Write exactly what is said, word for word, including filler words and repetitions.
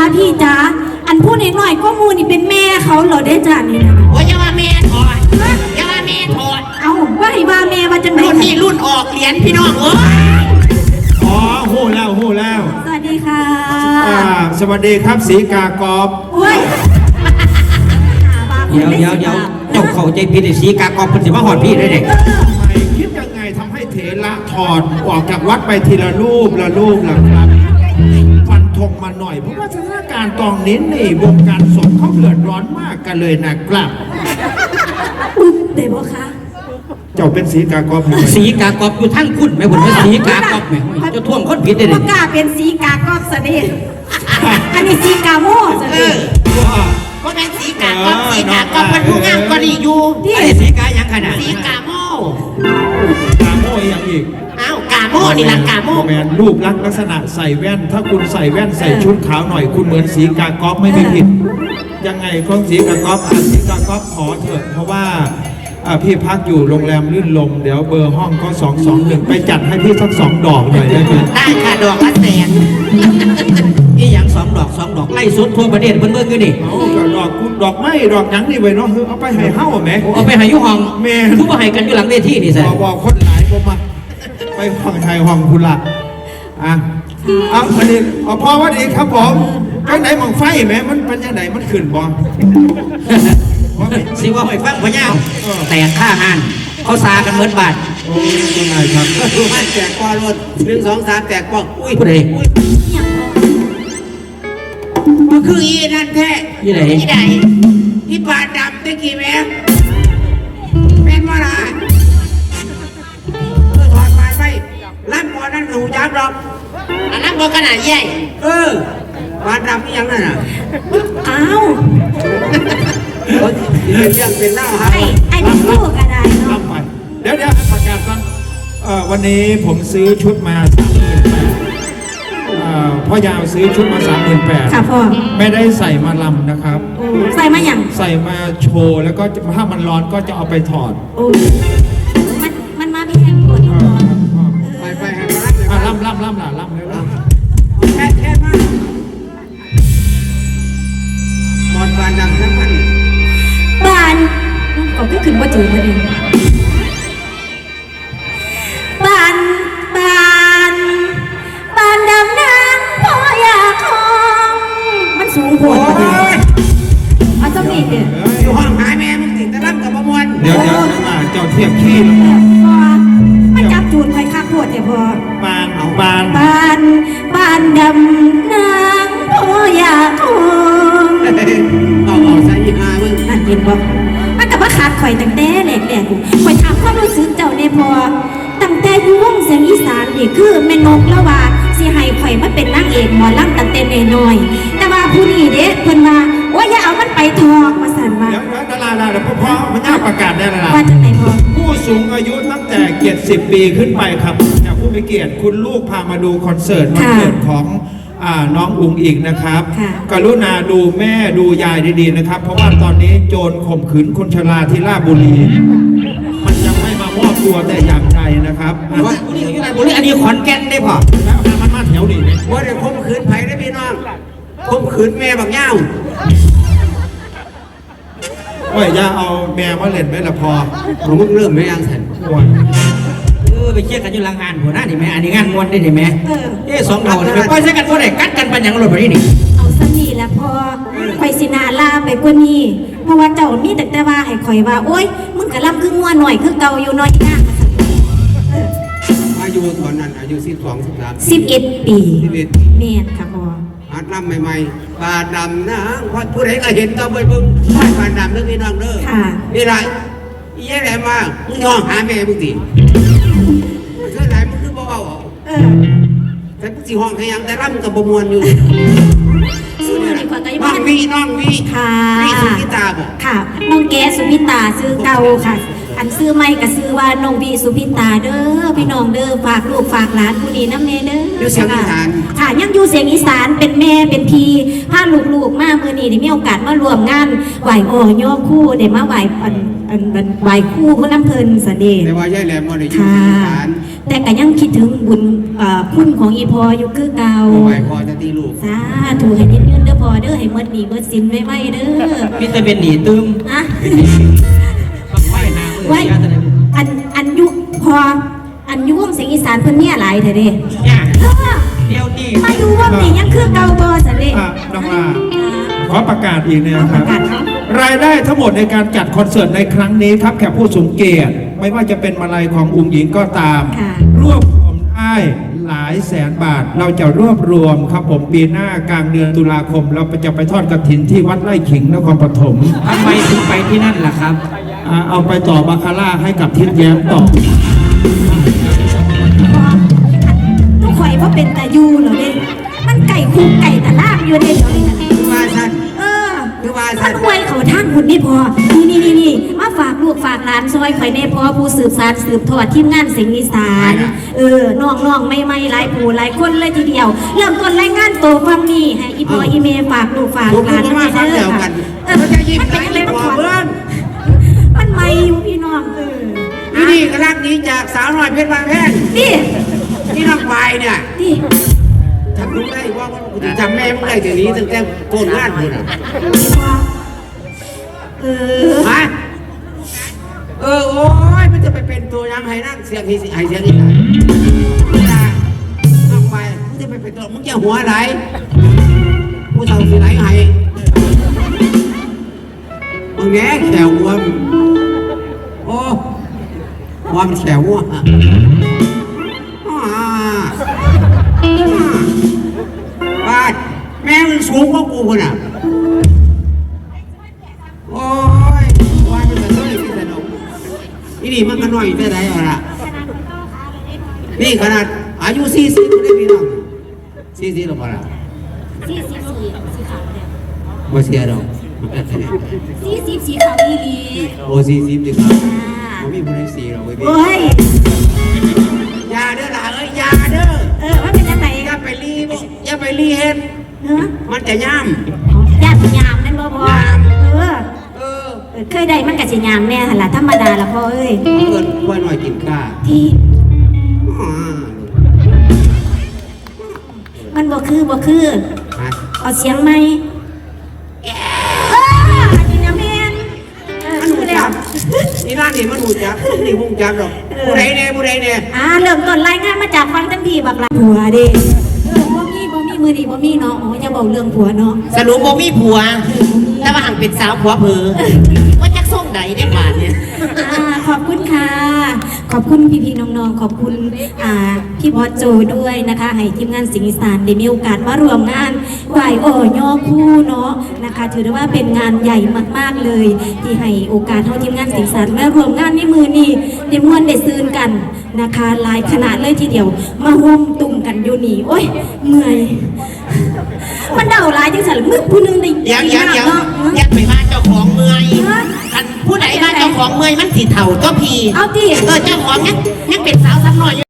พี่จ๋าอันพูดหน่อยๆก็มูนี่เป็นแม่เขาเหรอได้จ้านี่นะโอ้ยอย่าว่าแม่ถอดอย่าว่าแม่ถอดเอาว่าให้ว่าแม่ว่าจังไหนรุ่นนี้รุ่นออกเหรียญพี่น้องเอ้ยอ๋อหู้แล้วหู้แล้วสวัสดีค่ะอ่าสวัสดีครับสีกากอบโอ้ยเดี๋ยวเดี๋ยวเดี๋ยวเจ้าเข้าใจผิดไอ้สีกากอบเป็นสิมาหอดพี่ได้เด็กไม่คิดยังไงทำให้เถระถอดออกจากวัดไปทีละรูปละรูปละครับฟันธงมาหน่อยเพราะว่าสถานการณ์ตอนนี้นี่วงการสงฆ์เขาเดือดร้อนมากกันเลยนะครับอุ๊บเดี๋ยวคะเจ้าเป็นสีกากอบสีกากอบอยู่ทั้งคุณแม่บุญเป็นสีกากอบแม่จะท่วงคนผิดได้เด็กกล้าเป็นสีกากอบซะดิอันนี้สีกาโม่ซะดิว่าเป็นสีกากอบสีกากอบมันผู้งามก็ดีอยู่ไอ้สีกายังขนาดสีกาโม่กาโม่ยังอีกอ้าวกาโม่นี่ละกาโม่แมนรูปลักษณ์ลักษณะใส่แว่นถ้าคุณใส่แว่นใส่ชุดขาวหน่อยคุณเหมือนสีกากอบไม่มีผิดยังไงของสีกากอบสีกากอบขอเถอะเพราะว่าพี่พักอยู่โรงแรมลื่นลมเดี๋ยวเบอร์ห้องก็สองสองหนึ่งไปจัดให้พี่สักสองดอกหน่อยได้ไหมได้ค่ะดอกละแสนนี่ยังสองดอกสองดอกไล่สุดทั่วประเทศเพิ่นเบิ่งอยู่นี่เอาดอกคุณดอกไม้ดอกยังนี่ไว้เนาะเอาไปให้เฮ้าไหมเอาไปให้ยุห้องแม่ทุกคนให้กันอยู่หลังเวทีนี่สิบอกคนหลายก็มาไปห้องไทยห้องคุณละอ่ะเอาวันนี้เอาพอวันนี้ครับผมข้างไหนมองไฟไหมมันเป็นยังไงมันขึ้นบ่สิว่าไม่ฟังพญาแต่ค่าหันเขาซากันเหมือนบาทโอ้ยยังไงครับดูมันแตกกว่ารถหนึ่งสองสามแตกกว่าอุ้ยผู้ใดมันคืออีนั่นแท้ยี่ไหนยี่ไหนที่ปาดดำตะกี้แม่เป็นว่าไรเออถอดปาดไปล่ำบอลนั่นหนูจับหรอกล่ำบอลขนาดใหญ่เออปาดดำนี่ยังนั่นอ่ะอ้าวเป็นเรื่องเป็นเล่าครับไอ้ไอ้เป็นลูกอะไรเนาะเดี๋ยวเดี๋ยวประกาศก่อนวันนี้ผมซื้อชุดมาสามหมื่นแปดพ่อยาวซื้อชุดมาสามหมื่นแปดค่ะพ่อไม่ได้ใส่มาลำนะครับใส่มาอย่างใส่มาโชว์แล้วก็ถ้ามันร้อนก็จะเอาไปถอดมันมันมาพี่แฮมก่อนไปไปให้มาล่ำล่ำล่ำล่ำล่ำเลยล่ำแค่แค่มากบอลบานดังทั้งมันบานก็คือขึ้นว่าจูบพอดีบานบานบานดำน้ำพออยากคองมันสูงโผล่เอาสมีเนี่ยอยู่ห้องหายแม่มึงติดตะล่ำกับประมวลเดี๋ยวเดี๋ยวมาเจ้าเทียบขี้มันจับจูนไฟข้าปวดเนี่ยพอบานเอาบานบานบานดำน้ำพออยากคองเอาเอาใส่ยี่ห้ามึงนั่นเห็นบ่มันกับว่าขาดข่อยตั้งแต่แหลกแหลกกูข่อยถามความรู้สึกเจ้าในพอตั้งแต่ยุ่งเสียงอีสานนี่คือแม่นกละว่าสิให้ข่อยมาเป็นนางเอกหมอลำตั้งแต่น้อยๆแต่ว่าผู้นี้เด้เพิ่นว่าว่าอย่าเอามันไปทอกมาสั่นมาเดี๋ยวดาราดาราพ่อมันน่าประกาศได้แล้วล่ะว่าจังไหนพอผู้สูงอายุตั้งแต่เกียรติสิบปีขึ้นไปครับอยากผู้มีเกียรติคุณลูกพามาดูคอนเสิร์ตวันเกิดของน้องอุ๋งอิงนะครับกรุณาดูแม่ดูยายดีๆนะครับเพราะว่าตอนนี้โจรข่มขืนคนชราที่ราชบุรีมันยังไม่มามอบตัวแต่อย่างใจนะครับว่าบุรีอยู่ไหนบุรีอันนี้ขอนแก่นได้พอแล้วมันมาแถวนี้เนี่ยว่าเดี๋ยวข่มขืนไผ่ได้พี่น้องข่มขืนแม่บักเง่าว่าอย่าเอาแม่มาเล่นไว้ละพอของมึงเริ่มไม่ยังสันเออไปเชี่ยกันอยู่หลังงานหัวหน้าดิแม่อันนี้งานมวนได้ดิแม่เอ๊ะสองเราเนี่ยไปปล่อยใช้กันบ่ได้กัดกันปัญญังรถแบบนี้นี่เอาสนีแล้วพอข่อยสินาลาไปกว่านี้เพราะว่าเจ้ามีแต่แต่ว่าให้ข่อยว่าโอ๊ยมึงกะลำคืองัวหน่อยคือเก่าอยู่น้อยหน้าอายุตอนนั้นอายุสิบสองสิบสามสิบเอ็ดปีสิบเอ็ดเมตรค่ะพอหัดลำใหม่ๆปลาดำนะผู้ใดก็เห็นก็ไปบึ้งปลาดำเรื่องพี่น้องเด้อนี่ไรยี่อะไรมามึงยอมหาแม่มึงดิเท่าไหร่มึงคือเบาๆเออแต่มึงสิห้องขยังแต่ร่ำกับประมวลอยู่ซื้อมาดีกว่าไก่บ้านน้องวีน้องวีค่ะวีสุพิตาบอกค่ะน้องแกสุพิตาซื้อเก่าค่ะอันซื้อไม่กับซื้อว่าน้องวีสุพิตาเด้อพี่น้องเด้อฝากลูกฝากหลานผู้นี้น้ำเนเด้ออยู่เสียงอีสานค่ะยังอยู่เสียงอีสานเป็นแม่เป็นพี่พาลูกๆมาเมื่อนี้ได้มีโอกาสมารวมงานไหวโอ่ย่อคู่ได้มาไหวอันอันไหวคู่เพื่อน้ำเพลินเสด็จแต่ว่าย่ายแหลมมาได้อยู่อีสานแต่ก็ยังคิดถึงบุญคุณของอีพออยู่คือเก่าไหวพอจะตีลูกสาธุให้ยืนยืนเด้อเด้อให้เมื่อนี้เมื่อสินไว้ไว้เด้อพี่จะเป็นหนีตึมอะบังไว้นาเมื่อไว้เช้าจะได้อันอันยุพออันยุวงเสียงอีสานเพิ่นเนี่ยหลายเถอะเด้เนี่ยเออเดี๋ยวนี้มาอยู่วงนี้ยังคือเก่าบ่ซะเด้อ่ะน้องลาอ่าขอประกาศอีกเนี่ยครับประกาศครับรายได้ทั้งหมดในการจัดคอนเสิร์ตในครั้งนี้ครับแขกผู้สูงเกียรติไม่ว่าจะเป็นมาลัยของอุ้งหญิงก็ตามค่ะรวบรวมได้หลายแสนบาท เราจะรวบรวมครับผมปีหน้ากลางเดือนตุลาคม เราจะไปทอดกฐินที่วัดไร่ขิงนครปฐมทำไมถึงไปที่นั่นล่ะครับอ่าเอาไปต่อบาคาร่าให้กับทิศแย้มต่อลูกข่อยบ่เป็นตาอยู่เหรอเด้มันไก่คุกไก่ตะลากอยู่เด้เดี๋ยวนี้นะคือว่าสั้นเออคือว่ามัสั้นนอวยเขาทางหุ่นนี่พอ นี่นี่นี่นี่มาฝากลูกฝากหลานซอยข่อยแน่พอผู้สืบสานสืบทอดทีมงานเสียงอีสาน เออน้องน้องไม่ไม่หลายผู้หลายคนเลยทีเดียว เริ่มต้นรายงานตัวฟังนี่ให้อีพออีเมฝากลูกฝากผมหลานก็มาฟังเดียวกันเออมันจะยิ้มมันไหนเป็นอะไรบมาอกก่อนเพื่อนมันไม่อยู่พี่น้องเออที่นี่ก็รักนี้จากสาวน้อยเพชรบางแพงนี่ที่น้องปลายเนี่ยนี่จำรู้ได้ว่ากูจะจำแม่มึงได้เดี๋ยวนี้ตั้งแต่โกนงานมึงอ่ะพี่พอเออฮะเออโอ้ยมันจะไปเป็นตัวยังไห้นั่งเสียงที่ไห้เสียงที่ไหนเวลาน้องปลายมึงจะไปเป็นตัวมึงจะหัวไหนกูเท่าสิไหนไห้มึงแง่แขววัวมโอ้วัวมันแขววัวอ่ะอ่าบ้านแม่มึงสูงกว่ากูคนอ่ะโอ้ยวัวมันจะช่วยพี่สนุกนี่นี่มันก็น้อยแต่ไหนเอาละนี่ขนาดอายุสี่สิบได้พี่น้องสี่สิบหรือเปล่าสี่สิบสี่สีขาวเนี่ยไม่เสียหรอกสี่สิบสีขาวอีหลีโอ้สี่สิบดีครับอ่าผมมีคนให้สี่หรอกเว้ยพี่โอ้ยยาเด้อหล่ะเอ้ยยาเด้อเออว่าเป็นยังไงอย่าไปรีบอย่าไปรีเฮ็ดเนาะมันจะย่ญาติยามนั่นบ่พอเออำเออเออเคยได้มันกับสิยามแน่หั่นล่ะธรรมดาละพ่อเอ้ยเกิดว่าหน่อยกินข้าที่อ่ามันบ่คือบ่คือฮะเอาเสียงไหมเอออันนี้นะแม่นเออมันคืหูอแล้วจับนี่ร้านนี่มันหูจับนี่หูจับหรอกผู้ใดเนี่ยผู้ใดเนี่ยอ่าเริ่มต้นรายงานมาจากฟังทั้งทีบักละผัวเด้เออบ่มีบ่มีมือดีบ่มีเนาะโอ้ยอย่าเว้าเรื่องผัวเนาะสรุปบ่มีผัว แต่ว่าหังเป็นสาวผัวเพอว่าจักส่งใดได้บาทเนี่ยอ่าขอบคุณค่ะ ขอบคุณพี่ๆน้องๆ ขอบคุณอ่าพี่บอสโจด้วยนะคะ ให้ทีมงานสิงห์อีสานได้มีโอกาสมารวมงานไหวโอย่อคู่เนาะนะคะ ถือได้ว่าเป็นงานใหญ่มากๆเลย ที่ให้โอกาสเท่าทีมงานสิงห์อีสานมารวมงานในมือนี้ได้ม่วนได้ซืนกันนะคะหลายขนาดเลยทีเดียว มาห่มตุ่มกันอยู่นี่โอ้ยเมื่อยมันเดาหลายจังสันมึกผู้หนึงได้เดี๋ยวเดี๋ยวเดี๋ยวเนาะอยักไปบ้านเจ้าของเมื่อยอันผู้ใดบ้านเจ้าของเมื่อยมันสิเถ่าก็พีเอาดิเออเจ้าของยังยังเป็นสาวซ้ำหน่อยอยู่